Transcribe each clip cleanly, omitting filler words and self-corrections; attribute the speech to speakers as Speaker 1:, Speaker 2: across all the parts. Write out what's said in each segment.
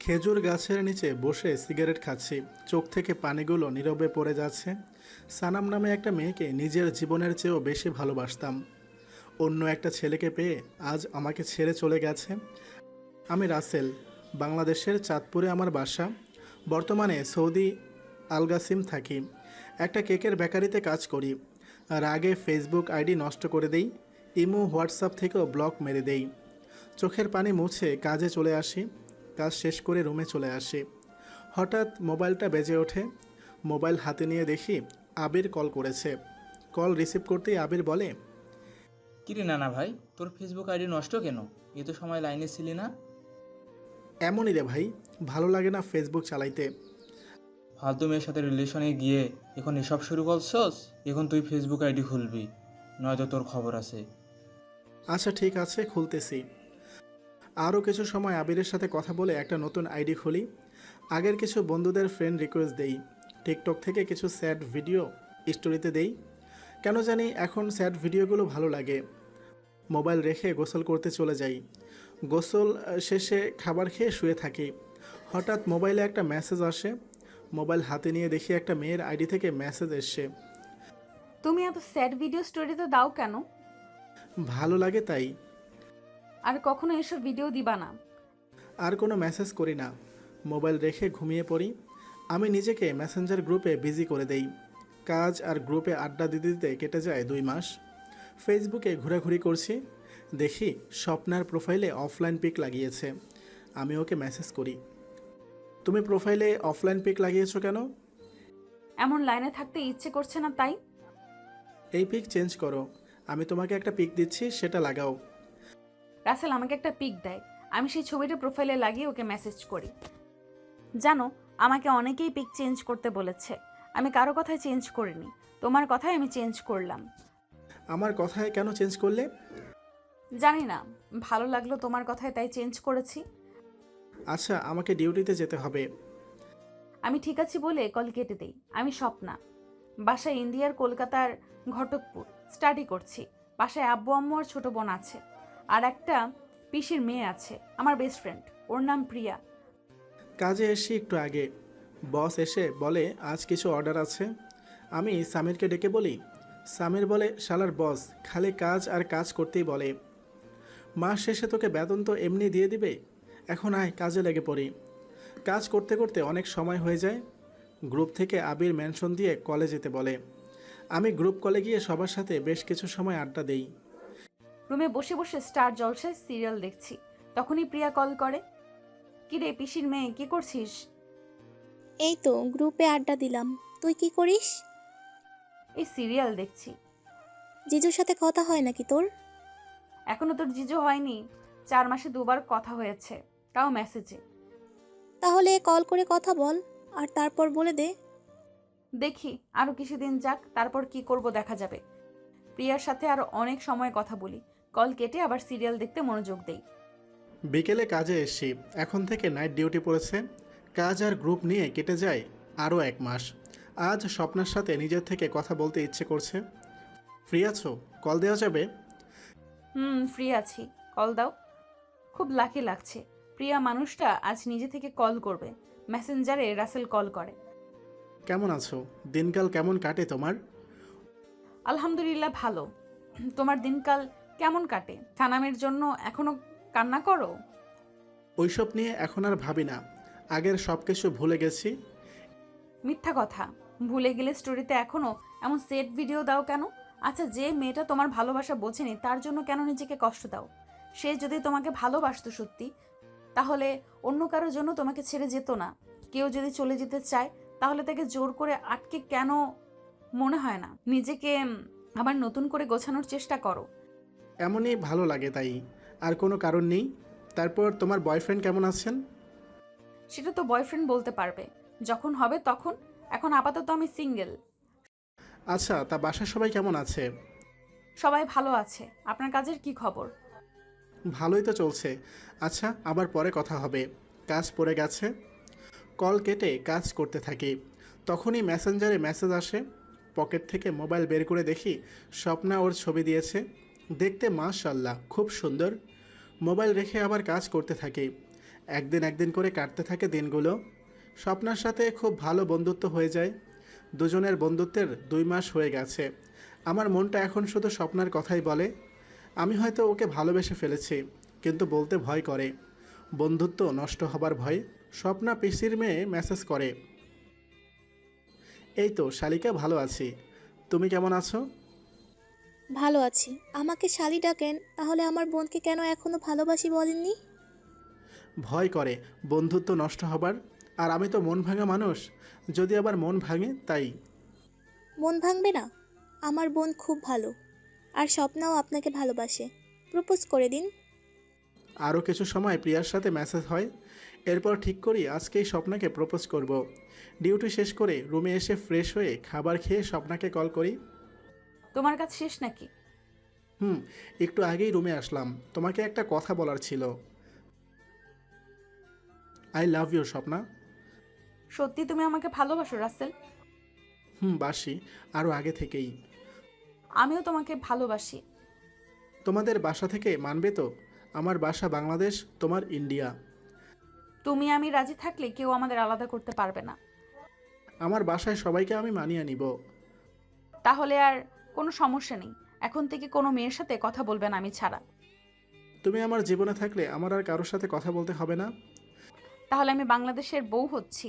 Speaker 1: খেজুর গাছের নিচে বসে সিগারেট খাচ্ছি, চোখ থেকে পানিগুলো নীরবে পড়ে যাচ্ছে। সানাম নামে একটা মেয়েকে নিজের জীবনের চেয়েও বেশি ভালোবাসতাম। অন্য একটা ছেলেকে পেয়ে আজ আমাকে ছেড়ে চলে গেছে। আমি রাসেল, বাংলাদেশের চাঁদপুরে আমার বাসা। বর্তমানে সৌদি আলগাসিম থাকি। একটা কেকের বেকারিতে কাজ করি। রাগে ফেসবুক আইডি নষ্ট করে দেই, ইমো হোয়াটসঅ্যাপ থেকেও ব্লক মেরে দেই। চোখের পানি মুছে কাজে চলে আসি। কাজ শেষ করে রুমে চলে আসি। হঠাৎ মোবাইলটা বেজে ওঠে। মোবাইল হাতে নিয়ে দেখি আবির কল করেছে। কল রিসিভ করতেই আবির বলে,
Speaker 2: কিরে নানা ভাই, তোর ফেসবুক আইডি নষ্ট কেন? এ তো সময় লাইনে ছিলি না।
Speaker 1: এমনই রে ভাই, ভালো লাগে না ফেসবুক চালাইতে।
Speaker 2: ফালতু মেয়ের সাথে রিলেশনে গিয়ে এখন এসব শুরু করছস? এখন তুই ফেসবুক আইডি খুলবি, নয়তো তোর খবর আছে।
Speaker 1: আচ্ছা ঠিক আছে, খুলতেছি। আরও কিছু সময় আবিরের সাথে কথা বলে একটা নতুন আইডি খুলি। আগের কিছু বন্ধুদের ফ্রেন্ড রিকোয়েস্ট দেই। টিকটক থেকে কিছু স্যাড ভিডিও স্টোরিতে দেই। কেন জানি এখন স্যাড ভিডিওগুলো ভালো লাগে। মোবাইল রেখে গোসল করতে চলে যাই। গোসল শেষে খাবার খেয়ে শুয়ে থাকি। হঠাৎ মোবাইলে একটা মেসেজ আসে। মোবাইল হাতে নিয়ে দেখি একটা মেয়ের আইডি থেকে মেসেজ এসছে।
Speaker 3: তুমি এত স্যাড ভিডিও স্টোরিতে দাও কেন?
Speaker 1: ভালো লাগে তাই।
Speaker 3: আর কখনো এসব ভিডিও দিবা না।
Speaker 1: আর কোনো মেসেজ করি না। মোবাইল রেখে ঘুমিয়ে পড়ি। আমি নিজেকে মেসেঞ্জার গ্রুপে বিজি করে দেই। কাজ আর গ্রুপে আড্ডা দিতে দিতে কেটে যায় 2 মাস। ফেসবুকে ঘোরাঘুরি করছি। দেখি স্বপ্নার প্রোফাইলে অফলাইন পিক লাগিয়েছে। আমি ওকে মেসেজ করি, তুমি প্রোফাইলে অফলাইন পিক লাগিয়েছো কেন?
Speaker 3: এমন লাইনে থাকতে ইচ্ছে করছে না তাই।
Speaker 1: এই পিক চেঞ্জ করো, আমি তোমাকে একটা পিক দিচ্ছি, সেটা লাগাও।
Speaker 3: রাসেল আমাকে একটা পিক দেয়, আমি সেই ছবিটা প্রোফাইলে লাগিয়ে ওকে মেসেজ করি। জানো, আমাকে অনেকেই পিক চেঞ্জ করতে বলেছে, আমি কারো কথায় চেঞ্জ করিনি, তোমার কথায় আমি চেঞ্জ করলাম।
Speaker 1: আমার কথায় কেন চেঞ্জ করলে?
Speaker 3: জানি না, ভালো লাগলো তোমার কথায় তাই চেঞ্জ করেছি।
Speaker 1: আচ্ছা, আমাকে ডিউটিতে যেতে হবে।
Speaker 3: আমি ঠিক আছি বলে কল কেটে দেই। আমি স্বপ্না, বাসায় ইন্ডিয়ার কলকাতার ঘটকপুর, স্টাডি করছি। বাসায় আব্বু আম্মু আর ছোট বোন আছে, আর একটা পিসির মেয়ে আছে, আমার বেস্ট ফ্রেন্ড, ওর নাম প্রিয়া।
Speaker 1: কাজে এসে একটু আগে বস এসে বলে আজ কিছু অর্ডার আছে। আমি সামিরকে ডেকে বলি। সামির বলে, শালার বস খালি কাজ আর কাজ করতেই বলে। মাস শেষে তোকে বেতন তো এমনি দিয়ে দিবে, এখন আয় কাজে লেগে পড়ি। কাজ করতে করতে অনেক সময় হয়ে যায়। গ্রুপ থেকে আবির মেনশন দিয়ে কলে যেতে বলে। আমি গ্রুপ কলে গিয়ে সবার সাথে বেশ কিছু সময় আড্ডা দেই।
Speaker 3: রুমে বসে বসে স্টার জলসায় সিরিয়াল দেখছি, তখনই প্রিয়া কল করে। কিরে পিসির মেয়ে, কি করছিস?
Speaker 4: এই তো গ্রুপে আড্ডা দিলাম। তুই কি করিস?
Speaker 3: এই সিরিয়াল দেখছি।
Speaker 4: জিজুর সাথে কথা হয় নাকি তোর?
Speaker 3: এখনো তোর জিজু হয়নি, 4 মাসে 2বার কথা হয়েছে, তাও মেসেজে।
Speaker 4: তাহলে কল করে কথা বল, আর তারপর বলে দে।
Speaker 3: দেখি আরো কিছুদিন যাক, তারপর কি করব দেখা যাবে। প্রিয়ার সাথে আরো অনেক সময় কথা বলি, কল কেটে আবার সিরিয়াল দেখতে মনোযোগ দেই।
Speaker 1: বিকেলে কাজে এসছি। এখন থেকে নাইট ডিউটি পড়েছে। কাজ আর গ্রুপ নিয়ে কেটে যায় আরও 1 মাস। আজ স্বপ্নার সাথে নিজের থেকে কথা বলতে ইচ্ছে করছে। ফ্রি আছো? কল দেওয়া যাবে?
Speaker 3: ফ্রি আছি, কল দাও। খুব লাকি লাগছে, প্রিয়া মানুষটা আজ নিজে থেকে কল করবে। মেসেঞ্জারে রাসেল কল করে।
Speaker 1: কেমন আছো? দিনকাল কেমন কাটে তোমার?
Speaker 3: আলহামদুলিল্লাহ ভালো। তোমার দিনকাল কেমন কাটে? সানামের জন্য এখনো কান্না করো?
Speaker 1: ওইসব নিয়ে এখন আর ভাবি না। আগের সব কিছু ভুলে গেছি।
Speaker 3: মিথ্যা কথা, ভুলে গেলে স্টোরিতে এখনো এমন সেট ভিডিও দাও কেন? আচ্ছা, যে মেয়েটা তোমার ভালোবাসা বোঝেনি তার জন্য কেন নিজেকে কষ্ট দাও? সে যদি তোমাকে ভালোবাসতো সত্যি, তাহলে অন্য কারোর জন্য তোমাকে ছেড়ে যেত না। কেউ যদি চলে যেতে চায় তাহলে তাকে জোর করে আটকে কেন? মনে হয় না নিজেকে আবার নতুন করে গোছানোর চেষ্টা করো।
Speaker 1: এমনই ভালো লাগে তাই, আর কোনো কারণ নেই। তারপর তোমার বয়ফ্রেন্ড কেমন আছেন?
Speaker 3: সেটা তো বয়ফ্রেন্ড বলতে পারবে যখন হবে তখন, এখন আপাতত আমি সিঙ্গেল।
Speaker 1: আচ্ছা, তা বাসার সবাই কেমন আছে?
Speaker 3: সবাই ভালো আছে। আপনার কাজের কি খবর?
Speaker 1: ভালোই তো চলছে। আচ্ছা, আবার পরে কথা হবে, কাজ পড়ে গেছে। কল কেটে কাজ করতে থাকি। তখনই মেসেঞ্জারে মেসেজ আসে। পকেট থেকে মোবাইল বের করে দেখি স্বপ্না ওর ছবি দিয়েছে। দেখতে মাশাআল্লাহ খুব সুন্দর। মোবাইল রেখে আবার কাজ করতে থাকি। একদিন একদিন করে কাটতে থাকে দিনগুলো। স্বপ্নার সাথে খুব ভালো বন্ধুত্ব হয়ে যায়। দুজনের বন্ধুত্বের 2 মাস হয়ে গেছে। আমার মনটা এখন শুধু স্বপ্নার কথাই বলে। আমি হয়তো ওকে ভালোবেসে ফেলেছি, কিন্তু বলতে ভয় করে। বন্ধুত্ব নষ্ট হবার ভয়। স্বপ্না পিসির মেয়ে মেসেজ করে, এই তো শালিকা, ভালো আছি, তুমি কেমন আছো?
Speaker 4: ভালো আছি। আমাকে শালি ডাকেন, তাহলে আমার বোনকে কেন এখনো ভালোবাসি বলেননি?
Speaker 1: ভয় করে বন্ধুত্ব নষ্ট হবার। আর আমি তো মন ভাঙা মানুষ, যদি আবার মন ভাঙে তাই।
Speaker 4: মন ভাঙবে না। আমার বোন খুব ভালো, আর স্বপ্নাও আপনাকে ভালোবাসে। প্রপোজ করে দিন।
Speaker 1: আরও কিছু সময় প্রিয়ার সাথে মেসেজ হয়। এরপর ঠিক করি আজকেই স্বপ্নাকে প্রপোজ করব। ডিউটি শেষ করে রুমে এসে ফ্রেশ হয়ে খাবার খেয়ে স্বপ্নাকে কল করি।
Speaker 3: তোমার কাজ শেষ নাকি?
Speaker 1: একটু আগেই রুমে আসলাম, তোমাকে একটা কথা বলার ছিল। I love you Swapna.
Speaker 3: সত্যি তুমি আমাকে ভালোবাসো রাসেল?
Speaker 1: বাসি, আরও আগে থেকেই।
Speaker 3: আমিও তোমাকে ভালোবাসি।
Speaker 1: তোমাদের বাসা থেকে মানবে তো? আমার বাসা বাংলাদেশ, তোমার ইন্ডিয়া।
Speaker 3: তুমি আমি রাজি থাকলে কেউ আমাদের আলাদা করতে পারবে না।
Speaker 1: আমার বাসায় সবাইকে আমি মানিয়ে নিব।
Speaker 3: তাহলে আর কোনো সমস্যা নেই। এখন থেকে কোনো মেয়ের সাথে কথা বলবে না আমি ছাড়া।
Speaker 1: তুমি আমার জীবনে থাকলে আমার আর কারোর সাথে কথা বলতে হবে না।
Speaker 3: তাহলে আমি বাংলাদেশের বউ হচ্ছি।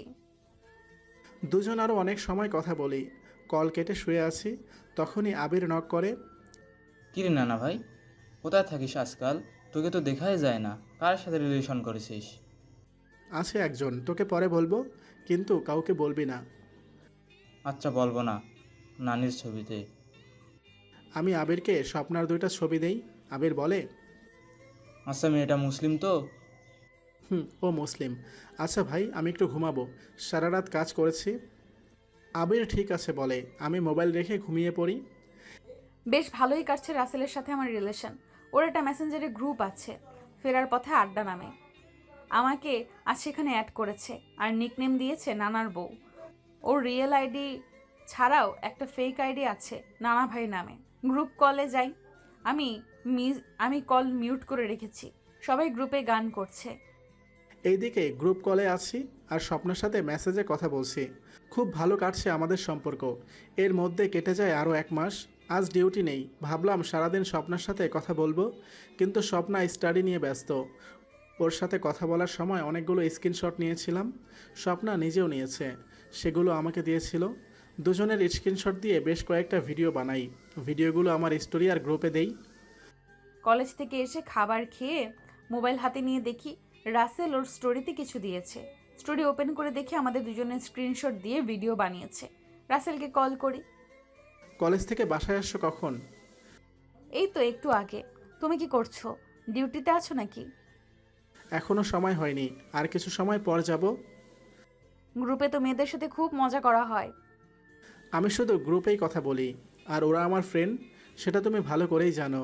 Speaker 1: দুজন আরও অনেক সময় কথা বলি। কল কেটে শুয়ে আছি, তখনই আবির নক করে।
Speaker 2: কিরে নানা ভাই, কোথায় থাকিস আজকাল? তোকে তো দেখাই যায় না। কার সাথে রিলেশন করেছিস?
Speaker 1: আছে একজন, তোকে পরে বলবো, কিন্তু কাউকে বলবি না।
Speaker 2: আচ্ছা, বলবো না। নানির ছবিতে।
Speaker 1: আমি আবিরকে স্বপ্নার 2টা ছবি দেই। আবির বলে,
Speaker 2: আচ্ছা, মেয়েটা মুসলিম তো?
Speaker 1: ও মুসলিম। আচ্ছা ভাই, আমি একটু ঘুমাবো, সারা রাত কাজ করেছি। আবির ঠিক আছে বলে। আমি মোবাইল রেখে ঘুমিয়ে পড়ি।
Speaker 3: বেশ ভালোই কাটছে রাসেলের সাথে আমার রিলেশন। ওর একটা মেসেঞ্জারে গ্রুপ আছে, ফেরার পথে আড্ডা নামে। আমাকে আজ সেখানে অ্যাড করেছে আর নিকনেম দিয়েছে নানার বউ। ওর রিয়েল আইডি ছাড়াও একটা ফেক আইডি আছে নানা ভাই নামে। গ্রুপ কলে যাই, আমি আমি কল মিউট করে রেখেছি। সবাই গ্রুপে গান করছে।
Speaker 1: এইদিকে গ্রুপ কলে আছি আর স্বপ্নার সাথে মেসেজে কথা বলছি। খুব ভালো কাটছে আমাদের সম্পর্ক। এর মধ্যে কেটে যায় আরও 1 মাস। আজ ডিউটি নেই, ভাবলাম সারাদিন স্বপ্নার সাথে কথা বলবো, কিন্তু স্বপ্না স্টাডি নিয়ে ব্যস্ত। ওর সাথে কথা বলার সময় অনেকগুলো স্ক্রিনশট নিয়েছিলাম, স্বপ্না নিজেও নিয়েছে, সেগুলো আমাকে দিয়েছিল। দুজনের স্ক্রিনশট দিয়ে বেশ কয়েকটা ভিডিও বানাই। ভিডিওগুলো আমার স্টোরি আর গ্রুপে দেই।
Speaker 3: কলেজ থেকে এসে খাবার খেয়ে মোবাইল হাতে নিয়ে দেখি রাসেল ওর স্টোরিতে কিছু দিয়েছে। স্টোরি ওপেন করে দেখি আমাদের দুজনের স্ক্রিনশট দিয়ে ভিডিও বানিয়েছে। রাসেলকে কল করি।
Speaker 1: কলেজ থেকে বাসায় আসছো কখন?
Speaker 3: এই তো একটু আগে। তুমি কি করছো? ডিউটিতে আছো নাকি?
Speaker 1: এখনও সময় হয়নি, আর কিছু সময় পর যাব।
Speaker 3: গ্রুপে তো মেয়েদের সাথে খুব মজা করা হয়।
Speaker 1: আমি শুধু গ্রুপেই কথা বলি, আর ওরা আমার ফ্রেন্ড, সেটা তুমি ভালো করেই জানো।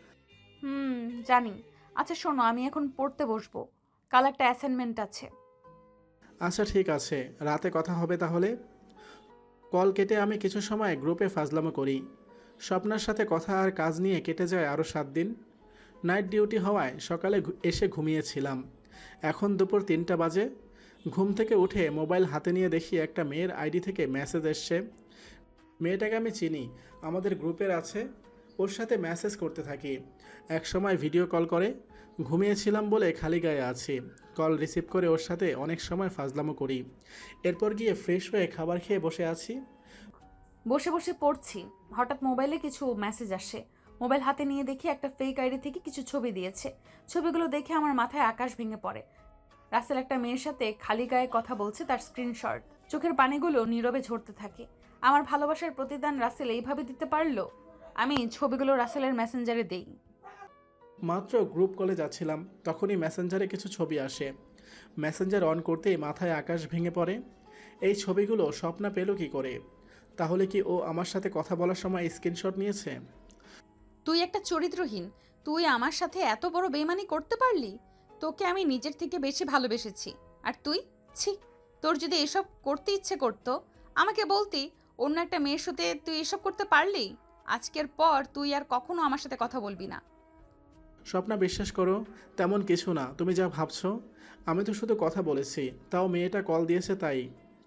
Speaker 3: জানি। আচ্ছা শোনো, আমি এখন পড়তে বসবো, কাল একটা অ্যাসাইনমেন্ট আছে।
Speaker 1: আচ্ছা ঠিক আছে, রাতে কথা হবে তাহলে। কল কেটে আমি কিছু সময় গ্রুপে ফাজলামো করি। স্বপ্নার সাথে কথা আর কাজ নিয়ে কেটে যায় আরও 7 দিন। নাইট ডিউটি হওয়ায় সকালে এসে ঘুমিয়েছিলাম। এখন দুপুর 3টা বাজে। ঘুম থেকে উঠে মোবাইল হাতে নিয়ে দেখি একটা মেয়ের আইডি থেকে মেসেজ এসছে। মেয়েটাকে আমি চিনি, আমাদের গ্রুপের আছে। ওর সাথে মেসেজ করতে থাকি, এক সময় ভিডিও কল করে। ঘুমিয়েছিলাম বলে খালি গায়ে আছি। কল রিসিভ করে ওর সাথে অনেক সময় ফাজলামো করি। এরপর গিয়ে ফ্রেশ হয়ে খাবার খেয়ে বসে আছি।
Speaker 3: বসে বসে পড়ছি, হঠাৎ মোবাইলে কিছু মেসেজ আসে। মোবাইল হাতে নিয়ে দেখি একটা ফেক আইডি থেকে কিছু ছবি দিয়েছে। ছবিগুলো দেখে আমার মাথায় আকাশ ভেঙে পড়ে। রাসেল একটা মেয়ের সাথে খালি গায়ে কথা বলছে, তার স্ক্রিনশট। চোখের পানিগুলো নীরবে ঝরতে থাকে। আমার ভালোবাসার প্রতিদান রাসেল এইভাবে দিতে পারলো। আমি ছবিগুলো রাসেলের মেসেঞ্জারে দেই।
Speaker 1: মাত্র গ্রুপ কলে যাচ্ছিলাম, তখনই মেসেঞ্জারে কিছু ছবি আসে। মেসেঞ্জার অন করতেই মাথায় আকাশ ভেঙে পড়ে। এই ছবিগুলো স্বপ্না পেল কি করে? তাহলে কি ও আমার সাথে কথা বলার সময় স্ক্রিনশট নিয়েছে?
Speaker 3: তুই একটা চরিত্রহীন। তুই আমার সাথে এত বড় বেইমানি করতে পারলি? তোকে আমি নিজের থেকে বেশি ভালোবেসেছি, আর তুই? ছি! তোর যদি এসব করতে ইচ্ছে করতো আমাকে বলতি। অন্য একটা মেয়ের সাথে তুই এসব করতে পারলি? আজকের পর তুই আর কখনো আমার সাথে কথা বলবি না।
Speaker 1: স্বপ্না বিশ্বাস করো, তেমন কিছু না তুমি যা ভাবছো। আমি তো শুধু কথা বলেছি, তাও মেয়েটা কল দিয়েছে তাই।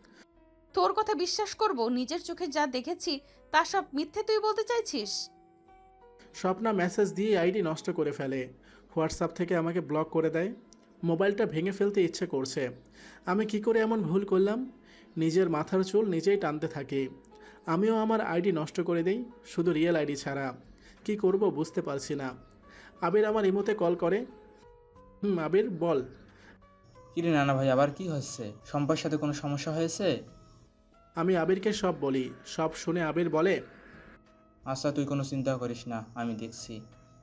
Speaker 3: তোর কথা বিশ্বাস করব? নিজের চোখে যা দেখেছি তা সব মিথ্যে তুই বলতে চাইছিস?
Speaker 1: স্বপ্না মেসেজ দিয়ে আইডি নষ্ট করে ফেলে, হোয়াটসঅ্যাপ থেকে আমাকে ব্লক করে দেয়। মোবাইলটা ভেঙে ফেলতে ইচ্ছে করছে। আমি কি করে এমন ভুল করলাম? নিজের মাথার চুল নিজেই টানতে থাকি। আমিও আমার আইডি নষ্ট করে দেই, শুধু রিয়েল আইডি ছাড়া। কি করব বুঝতে পারছি না। আবির আমার ইমোতে কল করে। আবির বল।
Speaker 2: কিরে নানা ভাই, আবার কি হচ্ছে? সম্পার সাথে কোনো সমস্যা হয়েছে?
Speaker 1: আমি আবিরকে সব বলি। সব শুনে আবির বলে,
Speaker 2: আচ্ছা তুই কোনো চিন্তা করিস না, আমি দেখছি।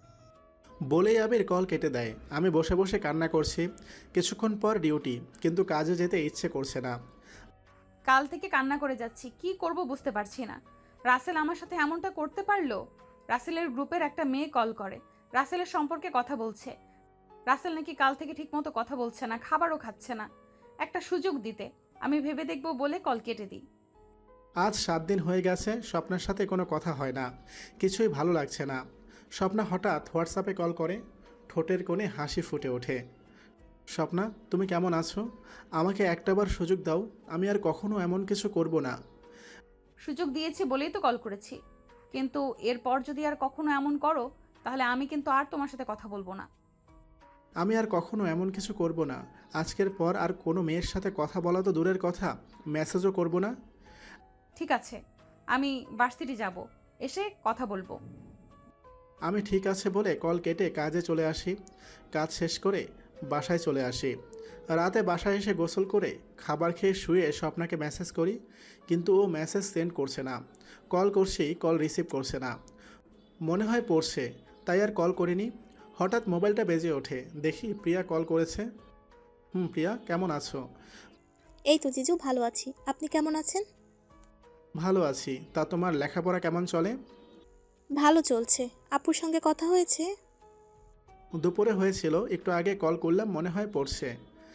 Speaker 1: বলেই আবির কল কেটে দেয়। আমি বসে বসে কান্না করছি। কিছুক্ষণ পর ডিউটি, কিন্তু কাজে যেতে ইচ্ছে করছে না।
Speaker 3: কাল থেকে কান্না করে যাচ্ছি, কি করব বুঝতে পারছি না। রাসেল আমার সাথে এমনটা করতে পারলো? রাসেলের গ্রুপের একটা মেয়ে কল করে, রাসেলের সম্পর্কে কথা বলছে। রাসেল নাকি কাল থেকে ঠিকমতো কথা বলছে না, খাবারও খাচ্ছে না। একটা সুযোগ দিতে আমি ভেবে দেখব বলে কল কেটে দিই।
Speaker 1: আজ 7 দিন হয়ে গেছে স্বপ্নার সাথে কোনো কথা হয় না। কিছুই ভালো লাগছে না। স্বপ্না হঠাৎ হোয়াটসঅ্যাপে কল করে। ঠোঁটের কোণে হাসি ফুটে ওঠে। স্বপ্না, তুমি কেমন আছো? আমাকে একটাবার সুযোগ দাও, আমি আর কখনো এমন কিছু করব না।
Speaker 3: সুযোগ দিয়েছি বলেই তো কল করেছি, কিন্তু এরপর যদি আর কখনো এমন করো তাহলে আমি কিন্তু আর তোমার সাথে কথা বলবো না।
Speaker 1: আমি আর কখনো এমন কিছু করব না। আজকের পর আর কোনো মেয়ের সাথে কথা বলা তো দূরের কথা, মেসেজও করব না।
Speaker 3: ঠিক আছে, আমি ভার্সিটি যাব, এসে কথা বলবো।
Speaker 1: আমি ঠিক আছে বলে কল কেটে কাজে চলে আসি। কাজ শেষ করে বাসায় চলে আসি। রাতে বাসায় এসে গোসল করে খাবার খেয়ে শুয়ে স্বপ্নাকে মেসেজ করি, কিন্তু ও মেসেজ সেন্ড করছে না। কল করছি, কল রিসিভ করছে না। মনে হয় পড়ছে, তাই আর কল করিনি। হঠাৎ মোবাইলটা বেজে ওঠে, দেখি প্রিয়া কল করেছে। প্রিয়া, কেমন আছো?
Speaker 4: এই তো জিজু, ভালো আছি। আপনি কেমন আছেন?
Speaker 1: ভালো আছি। তা তোমার লেখাপড়া কেমন চলে?
Speaker 4: ভালো চলছে। আপুর সঙ্গে কথা হয়েছে?
Speaker 1: দুপুরে হয়েছিল, একটু আগে কল করলাম, মনে হয় পড়ছে।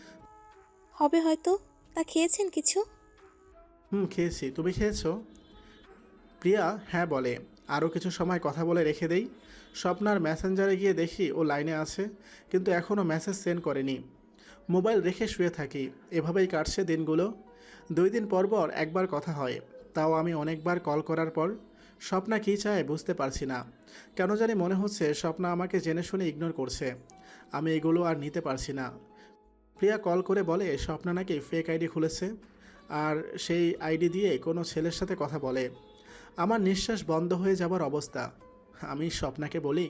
Speaker 4: হবে হয়তো। তা খেয়েছেন কিছু?
Speaker 1: খেয়েছি। তুমি খেয়েছো? প্রিয়া হ্যাঁ বলে। আরও কিছু সময় কথা বলে রেখে দেই। স্বপ্নার মেসেঞ্জারে গিয়ে দেখি ও লাইনে আছে, কিন্তু এখনও মেসেজ সেন্ড করেনি। মোবাইল রেখে শুয়ে থাকি। এভাবেই কাটছে দিনগুলো। 2 দিন পর পর একবার কথা হয়, তাও আমি অনেকবার কল করার পর। স্বপ্না কী চায় বুঝতে পারছি না। কেন জানি মনে হচ্ছে স্বপ্না আমাকে জেনে শুনে ইগনোর করছে। আমি এগুলো আর নিতে পারছি না। প্রিয়া কল করে বলে স্বপ্না নাকি ফেক আইডি খুলেছে, আর সেই আইডি দিয়ে কোনো ছেলের সাথে কথা বলে। আমার নিঃশ্বাস বন্ধ হয়ে যাবার অবস্থা। আমি স্বপ্নাকে বলি,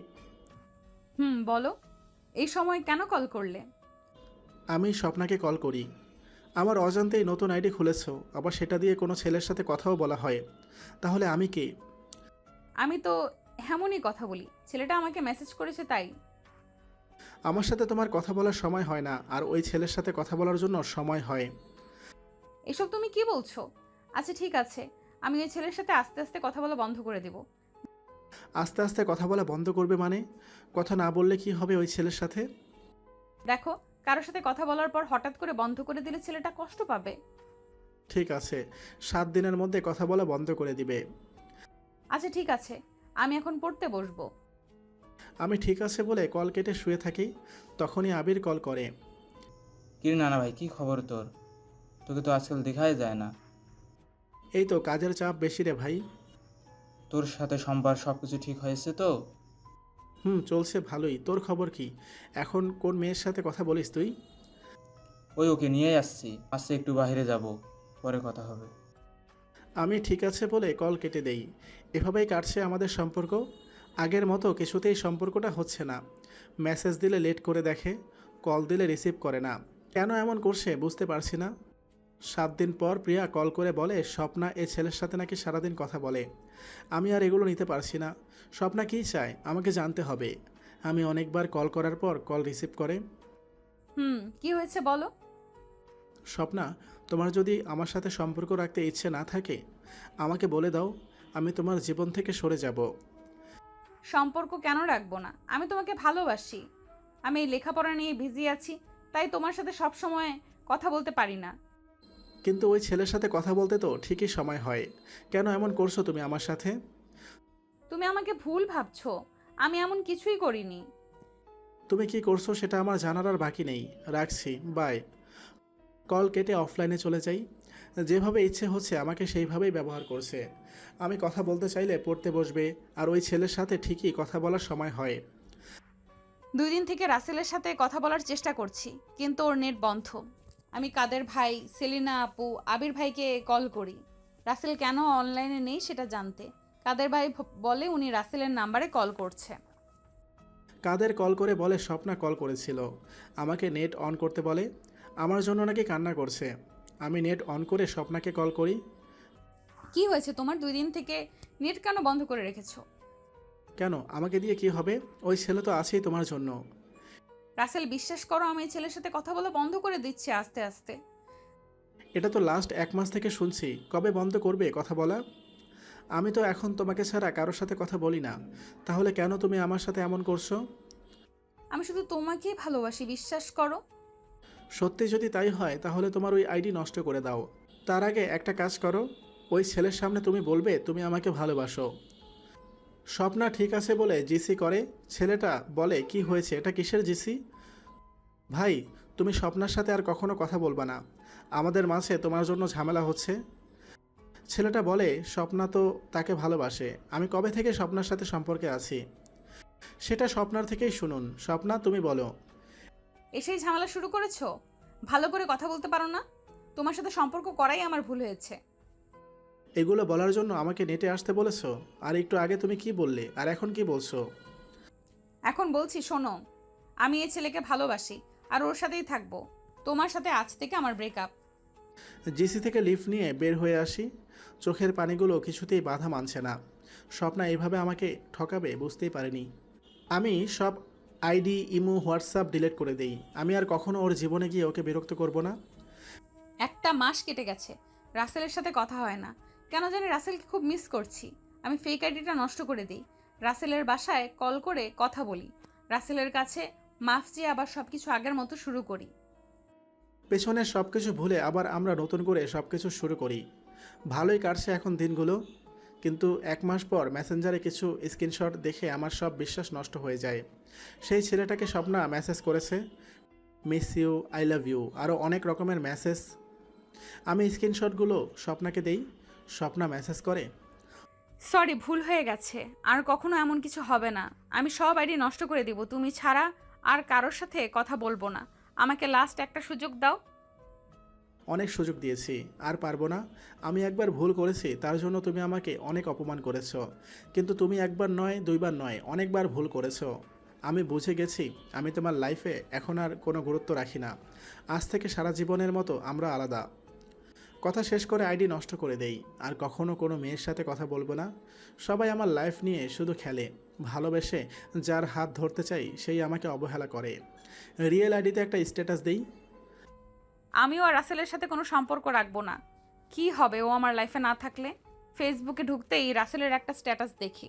Speaker 3: বলো, এই সময় কেন কল করলে?
Speaker 1: আমি স্বপ্নাকে কল করি। আমার অজান্তেই নতুন আইডি খুলেছো, আবার সেটা দিয়ে কোনো ছেলের সাথে কথাও বলা হয়। তাহলে আমি কে?
Speaker 3: আমি তো এমনই কথা বলি, ছেলেটা আমাকে মেসেজ করেছে তাই।
Speaker 1: আমার সাথে তোমার কথা বলার সময় হয় না, আর ওই ছেলের সাথে কথা বলার জন্য সময় হয়।
Speaker 3: এসব তুমি কি বলছো? আচ্ছা ঠিক আছে, আমি ওই ছেলের সাথে আস্তে আস্তে কথা বলা বন্ধ করে দেব।
Speaker 1: আস্তে আস্তে কথা বলা বন্ধ করবে মানে? কথা না বললে কি হবে ওই ছেলের সাথে?
Speaker 3: দেখো, কারোর সাথে কথা বলার পর হঠাৎ করে বন্ধ করে দিলে ছেলেটা কষ্ট পাবে।
Speaker 1: ঠিক আছে, 7 দিনের মধ্যে কথা বলা বন্ধ করে দিবে।
Speaker 3: আচ্ছা ঠিক আছে, আমি এখন পড়তে বসবো।
Speaker 1: আমি ঠিক আছে বলে কল কেটে শুয়ে থাকি। তখনই আবির কল করে।
Speaker 2: কিরে নানা ভাই, কি খবর তোর? তোকে তো আজকাল দেখাই যায় না।
Speaker 1: এই তো কাজের চাপ বেশি রে ভাই।
Speaker 2: তোর সাথে সম্পার সব কিছু ঠিক হয়েছে তো?
Speaker 1: চলছে ভালোই। তোর খবর কি? এখন কোন মেয়ের সাথে কথা বলিস তুই?
Speaker 2: ওই ওকে নিয়েই আসছি, আজকে একটু বাইরে যাব, পরে কথা হবে।
Speaker 1: আমি ঠিক আছে বলে কল কেটে দেই। এভাবেই কাটছে আমাদের সম্পর্ক। আগের মতো কিছুতেই সম্পর্কটা হচ্ছে না। মেসেজ দিলে লেট করে দেখে, কল দিলে রিসিভ করে না। কেন এমন করছে বুঝতে পারছি না। 7 দিন পর প্রিয়া কল করে বলে স্বপ্না এ ছেলের সাথে নাকি সারাদিন কথা বলে। আমি আর এগুলো নিতে পারছি না। স্বপ্না কী চায় আমাকে জানতে হবে। আমি অনেকবার কল করার পর কল রিসিভ করে।
Speaker 3: কি হয়েছে বলো।
Speaker 1: স্বপ্না, তোমার যদি আমার সাথে সম্পর্ক রাখতে ইচ্ছে না থাকে আমাকে বলে দাও, আমি তোমার জীবন থেকে সরে যাব।
Speaker 3: সম্পর্ক কেন রাখবো না? আমি তোমাকে ভালোবাসি। আমি এই লেখাপড়া নিয়ে বিজি আছি, তাই তোমার সাথে সব সময় কথা বলতে পারি না।
Speaker 1: কিন্তু ওই ছেলের সাথে কথা বলতে তো ঠিকই সময় হয়। কেন এমন করছো তুমি আমার সাথে?
Speaker 3: তুমি আমাকে ভুল ভাবছো, আমি এমন কিছুই করিনি।
Speaker 1: তুমি কি করছো সেটা আমার জানার আর বাকি নেই। রাখছি, বাই। কল কেটে অফলাইনে চলে যাই। যেভাবে ইচ্ছে হচ্ছে আমাকে সেইভাবেই ব্যবহার করছে। আমি কথা বলতে চাইলে পড়তে বসবে, আর ওই ছেলের সাথে ঠিকই কথা বলার সময় হয়।
Speaker 3: 2 দিন থেকে রাসেলের সাথে কথা বলার চেষ্টা করছি, কিন্তু ওর নেট বন্ধ। আমি কাদের ভাই, সেলিনা আপু, আবির ভাইকে কল করি রাসেল কেন অনলাইনে নেই সেটা জানতে। কাদের ভাই বলে উনি রাসেলের নাম্বারে কল করছে।
Speaker 1: কাদের কল করে বলে স্বপ্না কল করেছিল। আমাকে নেট অন করতে বলে, আমার জন্য নাকি কান্না করছে। আমি নেট অন করে স্বপ্নাকে কল করি।
Speaker 3: কি হয়েছে তোমার? 2 দিন থেকে নেট কেন বন্ধ করে রেখেছো?
Speaker 1: কেন, আমাকে দিয়ে কি হবে? ওই ছেলে তো আছেই তোমার জন্য।
Speaker 3: রাসেল, বিশ্বাস করো আমি এই ছেলের সাথে কথা বলা বন্ধ করে দিচ্ছি আস্তে আস্তে।
Speaker 1: এটা তো লাস্ট 1 মাস থেকে শুনছি। কবে বন্ধ করবে কথা বলা? আমি তো এখন তোমাকে ছাড়া কারোর সাথে কথা বলি না। তাহলে কেন তুমি আমার সাথে এমন করছো?
Speaker 3: আমি শুধু তোমাকেই ভালোবাসি, বিশ্বাস করো।
Speaker 1: সত্যি যদি তাই হয় তাহলে তোমার ওই আইডি নষ্ট করে দাও। তার আগে একটা কাজ করো, ওই ছেলের সামনে তুমি বলবে তুমি আমাকে ভালোবাসো। স্বপ্না ঠিক আছে বলে জিসি করে, ছেলেটা বলে কি হয়েছে, এটা কিসের জিসি? ভাই, তুমি স্বপ্নার সাথে আর কখনো কথা বলবা না। আমাদের মাঝে তোমার জন্য ঝামেলা হচ্ছে। ছেলেটা বলে স্বপ্না তো তাকে ভালোবাসে। আমি কবে থেকে স্বপ্নার সাথে সম্পর্কে আছি সেটা স্বপ্নার থেকেই শুনুন। স্বপ্না, তুমি বলো।
Speaker 3: এসেই ঝামেলা শুরু করেছো? ভালো করে কথা বলতে পারো না? তোমার সাথে সম্পর্ক করাই আমার ভুল হয়েছে।
Speaker 1: এগুলো বলার জন্য আমাকে নেটে আসতে বলেছো? আর একটু আগে তুমি কি বললে, আর এখন কি বলছো?
Speaker 3: এখন বলছি শোনো, আমি এই ছেলেকে ভালোবাসি আর ওর সাথেই থাকবো। তোমার সাথে আজ থেকে আমার ব্রেকআপ।
Speaker 1: জিসি থেকে লিফট নিয়ে বের হয়ে আসি। চোখের পানিগুলো কিছুতেই বাধা মানছে না। স্বপ্না এভাবে আমাকে ঠকাবে বুঝতেই পারিনি। আমি সব আইডি, ইমো, হোয়াটসঅ্যাপ ডিলিট করে দেই। আমি আর কখনো ওর জীবনে গিয়ে ওকে বিরক্ত করব না।
Speaker 3: 1 মাস কেটে গেছে, রাসেলের সাথে কথা হয় না। কেন জানি রাসেলকে খুব মিস করছি। আমি ফেক আইডিটা নষ্ট করে দিই, রাসেলের বাসায় কল করে কথা বলি, রাসেলের কাছে মাফ চেয়ে আবার সবকিছু আগের মতো শুরু করি।
Speaker 1: পেছনের সব কিছু ভুলে আবার আমরা নতুন করে সব কিছু শুরু করি। ভালোই কাটছে এখন দিনগুলো। কিন্তু 1 মাস পর মেসেঞ্জারে কিছু স্ক্রিনশট দেখে আমার সব বিশ্বাস নষ্ট হয়ে যায়। সেই ছেলেটাকে স্বপ্না মেসেজ করেছে, miss you, I love you, আরও অনেক রকমের মেসেজ। আমি স্ক্রিনশটগুলো স্বপ্নাকে দেই। স্বপ্না মেসেজ করে,
Speaker 3: সরি, ভুল হয়ে গেছে, আর কখনো এমন কিছু হবে না। আমি সব আইডি নষ্ট করে দিব, তুমি ছাড়া আর কারোর সাথে কথা বলবো না। আমাকে লাস্ট একটা সুযোগ দাও।
Speaker 1: অনেক সুযোগ দিয়েছি, আর পারবো না। আমি একবার ভুল করেছি, তার জন্য তুমি আমাকে অনেক অপমান করেছো। কিন্তু তুমি একবার নয়, 2বার নয়, অনেকবার ভুল করেছো। আমি বুঝে গেছি আমি তোমার লাইফে এখন আর কোনো গুরুত্ব রাখি না। আজ থেকে সারা জীবনের মতো আমরা আলাদা। কথা শেষ করে আইডি নষ্ট করে দেই। আর কখনো কোনো মেয়ের সাথে কথা বলবো না। সবাই আমার লাইফ নিয়ে শুধু খেলে। ভালোবেসে যার হাত ধরতে চাই সেই আমাকে অবহেলা করে। রিয়েল আইডিতে একটা স্ট্যাটাস দেই,
Speaker 3: আমিও আর রাসেলের সাথে কোনো সম্পর্ক রাখবো না। কি হবে ও আমার লাইফে না থাকলে? ফেসবুকে ঢুকতেই রাসেলের একটা স্ট্যাটাস দেখি।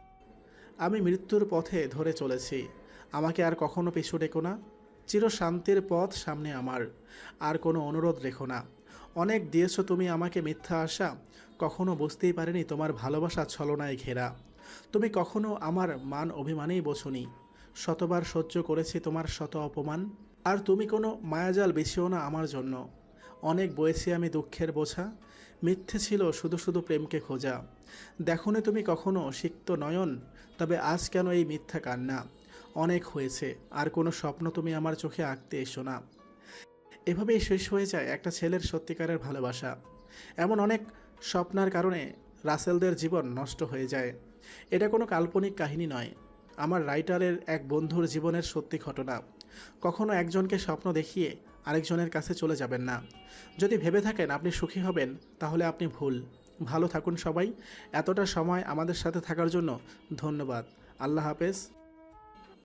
Speaker 1: আমি মৃত্যুর পথে ধরে চলেছি। আমাকে আর কখনো পিছু ডেকো না। চিরশান্তির পথ সামনে আমার। আর কোনো অনুরোধ রেখো না। অনেক দিয়েছো তুমি আমাকে মিথ্যা আশা। কখনো বুঝতেই পারিনি তোমার ভালোবাসা ছলনায় ঘেরা। তুমি কখনো আমার মান অভিমানেই বোঝনি। শতবার সহ্য করেছি তোমার শত অপমান। আর তুমি কোনো মায়াজাল বিছিও না আমার জন্য। অনেক বয়েছি আমি দুঃখের বোঝা। মিথ্যে ছিল শুধু শুধু প্রেমকে খোঁজা। দেখোনি তুমি কখনো সিক্ত নয়ন, তবে আজ কেন এই মিথ্যা কান্না? অনেক হয়েছে, আর কোনো স্বপ্ন তুমি আমার চোখে আঁকতে এসো না। এভাবেই শেষ হয়ে যায় একটা ছেলের সত্যিকারের ভালোবাসা। এমন অনেক স্বপ্নার কারণে রাসেলদের জীবন নষ্ট হয়ে যায়। এটা কোনো কাল্পনিক কাহিনী নয়, আমার রাইটারের এক বন্ধুর জীবনের সত্যি ঘটনা। কখনো একজনকে স্বপ্ন দেখিয়ে আরেকজনের কাছে চলে যাবেন না। যদি ভেবে থাকেন আপনি সুখী হবেন, তাহলে আপনি ভুল। ভালো থাকুন সবাই। এতটা সময় আমাদের সাথে থাকার জন্য ধন্যবাদ। আল্লাহ হাফেজ।